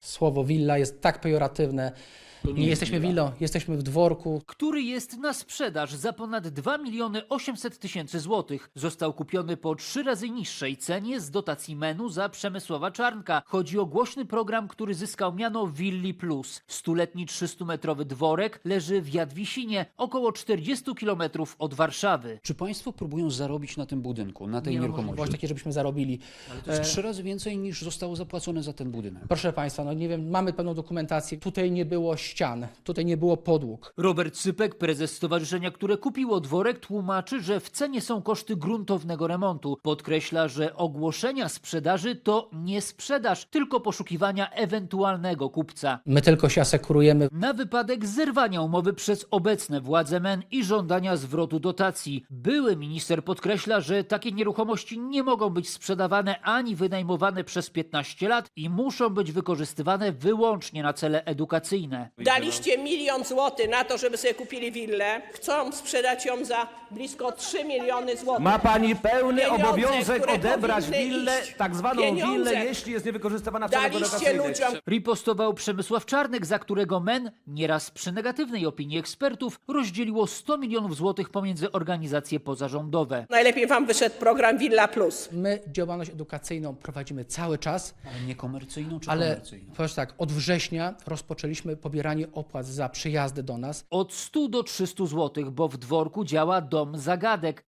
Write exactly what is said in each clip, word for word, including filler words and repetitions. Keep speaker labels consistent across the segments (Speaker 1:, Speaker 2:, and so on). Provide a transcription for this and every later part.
Speaker 1: Słowo willa jest tak pejoratywne. Nie, nie jesteśmy willą, jesteśmy w dworku.
Speaker 2: Który jest na sprzedaż za ponad dwa miliony osiemset tysięcy złotych. Został kupiony po trzy razy niższej cenie z dotacji menu za Przemysława Czarnka. Chodzi o głośny program, który zyskał miano Willi Plus. Stuletni trzystumetrowy dworek leży w Jadwisinie, około czterdziestu kilometrów od Warszawy.
Speaker 3: Czy państwo próbują zarobić na tym budynku, na tej
Speaker 1: Nie ma
Speaker 3: nieruchomości?
Speaker 1: możliwości takiej, żebyśmy zarobili.
Speaker 3: Ale to jest trzy razy więcej niż zostało zapłacone za ten budynek.
Speaker 1: Proszę Państwa, no nie wiem, mamy pewną dokumentację. Tutaj nie było ścian, tutaj nie było podłóg.
Speaker 2: Robert Sypek, prezes stowarzyszenia, które kupiło dworek, tłumaczy, że w cenie są koszty gruntownego remontu. Podkreśla, że ogłoszenia sprzedaży to nie sprzedaż, tylko poszukiwania ewentualnego kupca.
Speaker 1: My tylko się asekurujemy.
Speaker 2: Na wypadek zerwania umowy przez obecne władze M E N i żądania zwrotu dotacji. Były minister podkreśla, że takie nieruchomości nie mogą być sprzedawane ani wynajmowane przez piętnaście lat i muszą być wykorzystywane wyłącznie na cele edukacyjne.
Speaker 4: Daliście milion złotych na to, żeby sobie kupili willę. Chcą sprzedać ją za blisko trzy miliony złotych.
Speaker 5: Ma pani pełny
Speaker 4: Pieniądze,
Speaker 5: obowiązek
Speaker 4: które
Speaker 5: odebrać
Speaker 4: powinny
Speaker 5: willę,
Speaker 4: iść.
Speaker 5: tak zwaną
Speaker 4: Pieniądze.
Speaker 5: willę, jeśli jest niewykorzystywana w celach
Speaker 4: Daliście
Speaker 5: edukacyjnych.
Speaker 4: ludziom.
Speaker 2: Ripostował Przemysław Czarnek, za którego M E N, nieraz przy negatywnej opinii ekspertów, rozdzieliło sto milionów złotych pomiędzy organizacje pozarządowe.
Speaker 4: Najlepiej wam wyszedł program Villa Plus.
Speaker 1: My działalność edukacyjną prowadzimy cały czas,
Speaker 3: Ale nie komercyjną czy
Speaker 1: ale
Speaker 3: komercyjną?
Speaker 1: powiem tak, od września rozpoczęliśmy pobieranie opłat za przyjazdy do nas.
Speaker 2: Od stu do trzystu złotych, bo w dworku działa Dom Zagadek,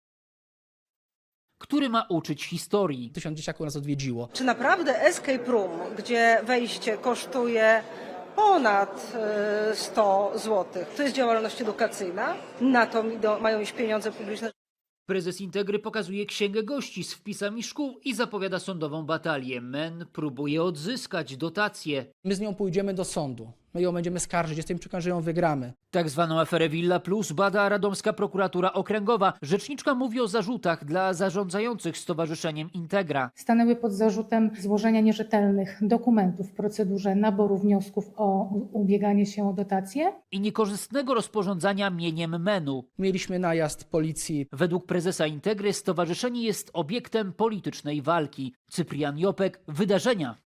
Speaker 2: który ma uczyć historii.
Speaker 1: Tysiąc dzieciaków nas odwiedziło.
Speaker 6: Czy naprawdę escape room, gdzie wejście kosztuje ponad e, sto złotych, to jest działalność edukacyjna? Na to idą, mają iść pieniądze publiczne.
Speaker 2: Prezes Integry pokazuje księgę gości z wpisami szkół i zapowiada sądową batalię. M E N próbuje odzyskać dotacje.
Speaker 1: My z nią pójdziemy do sądu. My ją będziemy skarżyć, jestem przekonany, że ją wygramy.
Speaker 2: Tak zwaną aferę Villa Plus bada Radomska Prokuratura Okręgowa. Rzeczniczka mówi o zarzutach dla zarządzających Stowarzyszeniem Integra.
Speaker 7: Stanęły pod zarzutem złożenia nierzetelnych dokumentów w procedurze naboru wniosków o ubieganie się o dotacje.
Speaker 2: I niekorzystnego rozporządzania mieniem M E N-u.
Speaker 1: Mieliśmy najazd policji.
Speaker 2: Według prezesa Integry stowarzyszenie jest obiektem politycznej walki. Cyprian Jopek, Wydarzenia.